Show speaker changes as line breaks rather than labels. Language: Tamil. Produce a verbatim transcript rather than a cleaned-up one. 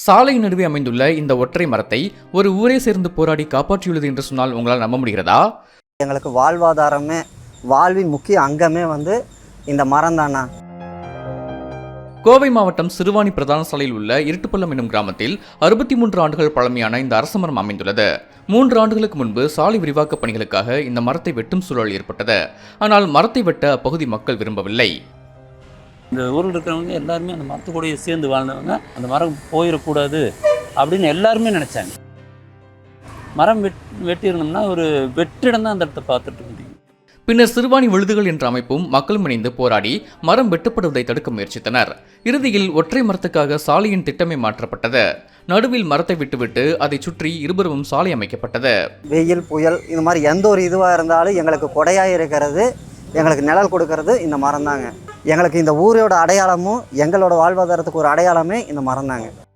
சாலை நடுவே அமைந்துள்ள இந்த ஒற்றை மரத்தை ஒரு ஊரே சேர்ந்து போராடி காப்பாற்றியுள்ளது என்று சொன்னால் உங்களால் நம்ப முடிகிறதா?
எங்களுக்கு வாழ்வாதாரமே வாழ்வின் முக்கிய அங்கமே வந்து இந்த மரம் தானா.
கோவை மாவட்டம் சிறுவாணி பிரதான சாலையில் உள்ள இருட்டுப்பள்ளம் என்னும் கிராமத்தில் அறுபத்தி மூன்று ஆண்டுகள் பழமையான இந்த அரச மரம் அமைந்துள்ளது. மூன்று ஆண்டுகளுக்கு முன்பு சாலை விரிவாக்க பணிகளுக்காக இந்த மரத்தை வெட்டும் சூழல் ஏற்பட்டது. ஆனால் மரத்தை வெட்ட அப்பகுதி மக்கள் விரும்பவில்லை.
இந்த ஊரில் இருக்கிறவங்க எல்லாருமே அந்த மரத்துக்கூடயே சேர்ந்து வாழ்ந்தவங்க அந்த மரம் போயிடக்கூடாது அப்படின்னு எல்லாருமே நினச்சாங்க. மரம் வெட் வெட்டியிருந்தோம்னா ஒரு வெற்றிடம் தான் அந்த இடத்த பார்த்துட்டு முடியும்.
பின்னர் சிறுவாணி விழுதுகள் என்ற அமைப்பும் மக்களும் இணைந்து போராடி மரம் வெட்டப்படுவதை தடுக்க முயற்சித்தனர். இறுதியில் ஒற்றை மரத்துக்காக சாலையின் திட்டமே மாற்றப்பட்டது. நடுவில் மரத்தை விட்டுவிட்டு அதை சுற்றி இருபுறமும் சாலை அமைக்கப்பட்டது.
வெயில் புயல் இந்த மாதிரி எந்த ஒரு இதுவாக இருந்தாலும் எங்களுக்கு கொடையாக இருக்கிறது, எங்களுக்கு நிழல் கொடுக்கறது இந்த மரம் தாங்க. எங்களுக்கு இந்த ஊரோட அடையாளமும் எங்களோட வாழ்வாதாரத்துக்கு ஒரு அடையாளமே இந்த மரம் தாங்க.